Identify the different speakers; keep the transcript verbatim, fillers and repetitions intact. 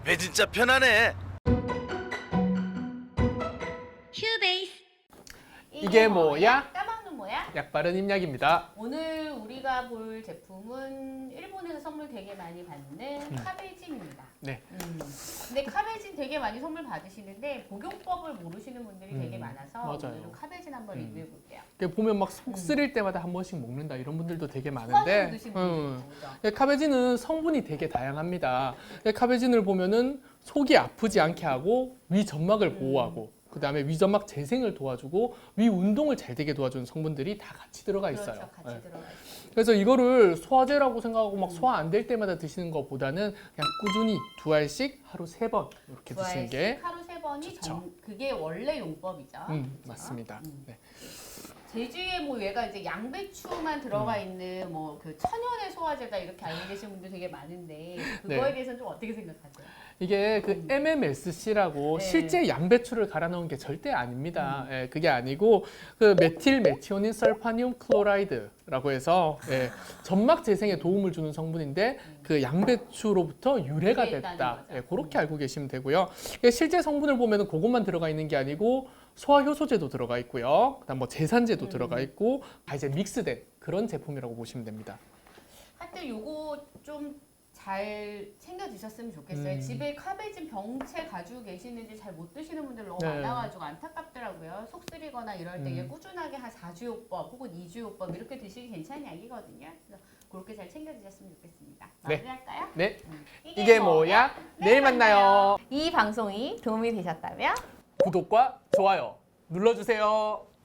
Speaker 1: 배 진짜 편하네.
Speaker 2: 휴베이스.
Speaker 3: 이게 뭐야?
Speaker 2: 까먹는 뭐야?
Speaker 3: 약바른 임약입니다.
Speaker 2: 오늘 우리가 볼 제품은 일본에서 선물 되게 많이 받는
Speaker 3: 음.
Speaker 2: 카베진입니다.
Speaker 3: 네.
Speaker 2: 음. 근데 카베진 되게 많이 선물 받으시는데 복용법을 모르시는 분들이
Speaker 3: 음.
Speaker 2: 되게 많아서
Speaker 3: 맞아요.
Speaker 2: 오늘은 카베진 한번
Speaker 3: 음.
Speaker 2: 리뷰해 볼게요.
Speaker 3: 이게 보면 막 속 쓰릴 때마다 한 번씩 먹는다 이런 분들도 되게
Speaker 2: 소화제로
Speaker 3: 많은데
Speaker 2: 드시는 분들
Speaker 3: 음.
Speaker 2: 있죠.
Speaker 3: 예, 카베진은 성분이 되게 다양합니다. 예, 카베진을 보면은 속이 아프지 않게 하고 위 점막을
Speaker 2: 음.
Speaker 3: 보호하고 그 다음에 위 점막 재생을 도와주고 위 운동을 잘 되게 도와주는 성분들이 다 같이 들어가 있어요.
Speaker 2: 그렇죠. 같이
Speaker 3: 예.
Speaker 2: 들어가 있어요.
Speaker 3: 그래서 이거를 소화제라고 생각하고 막
Speaker 2: 음.
Speaker 3: 소화 안 될 때마다 드시는 것보다는 그냥 꾸준히 두 알씩 하루 세 번 이렇게
Speaker 2: 두
Speaker 3: 드시는
Speaker 2: 알씩
Speaker 3: 게
Speaker 2: 하루 세 번이
Speaker 3: 좋죠.
Speaker 2: 전, 그게 원래 용법이죠.
Speaker 3: 음,
Speaker 2: 그렇죠?
Speaker 3: 맞습니다.
Speaker 2: 음.
Speaker 3: 네.
Speaker 2: 제주에 뭐 얘가 이제 양배추만 들어가
Speaker 3: 음.
Speaker 2: 있는 뭐 그 천연의 소화제다 이렇게 알고 계신 분들 되게 많은데 그거에
Speaker 3: 네.
Speaker 2: 대해서는 좀 어떻게 생각하세요?
Speaker 3: 이게 그
Speaker 2: 음.
Speaker 3: 엠엠에스씨라고
Speaker 2: 네.
Speaker 3: 실제 양배추를 갈아 넣은 게 절대 아닙니다.
Speaker 2: 음.
Speaker 3: 예, 그게 아니고 그 메틸 메티오닌 설파늄 클로라이드라고 해서 예, 점막 재생에 도움을 주는 성분인데 그 양배추로부터 유래가
Speaker 2: 유래했다는
Speaker 3: 됐다.
Speaker 2: 거죠.
Speaker 3: 예, 그렇게 알고 계시면 되고요. 이게 실제 성분을 보면은 그것만 들어가 있는 게 아니고 소화 효소제도 들어가 있고요. 그다음 뭐 제산제도
Speaker 2: 음.
Speaker 3: 들어가 있고 다 이제 믹스된 그런 제품이라고 보시면 됩니다.
Speaker 2: 하여튼 요거 좀 잘 챙겨 드셨으면 좋겠어요.
Speaker 3: 음.
Speaker 2: 집에 카베진 병채 가지고 계시는지 잘 못 드시는 분들 너무
Speaker 3: 네.
Speaker 2: 많아가지고 안타깝더라고요. 속 쓰리거나 이럴 때
Speaker 3: 음.
Speaker 2: 꾸준하게 한 사 주요법 혹은 이 주요법 이렇게 드시기 괜찮은 약이거든요. 그래서 그렇게 잘 챙겨 드셨으면 좋겠습니다.
Speaker 3: 네.
Speaker 2: 마무리할까요?
Speaker 3: 네,
Speaker 2: 음.
Speaker 3: 이게 뭐야? 내일 만나요.
Speaker 2: 이 방송이 도움이 되셨다면
Speaker 3: 구독과 좋아요 눌러주세요.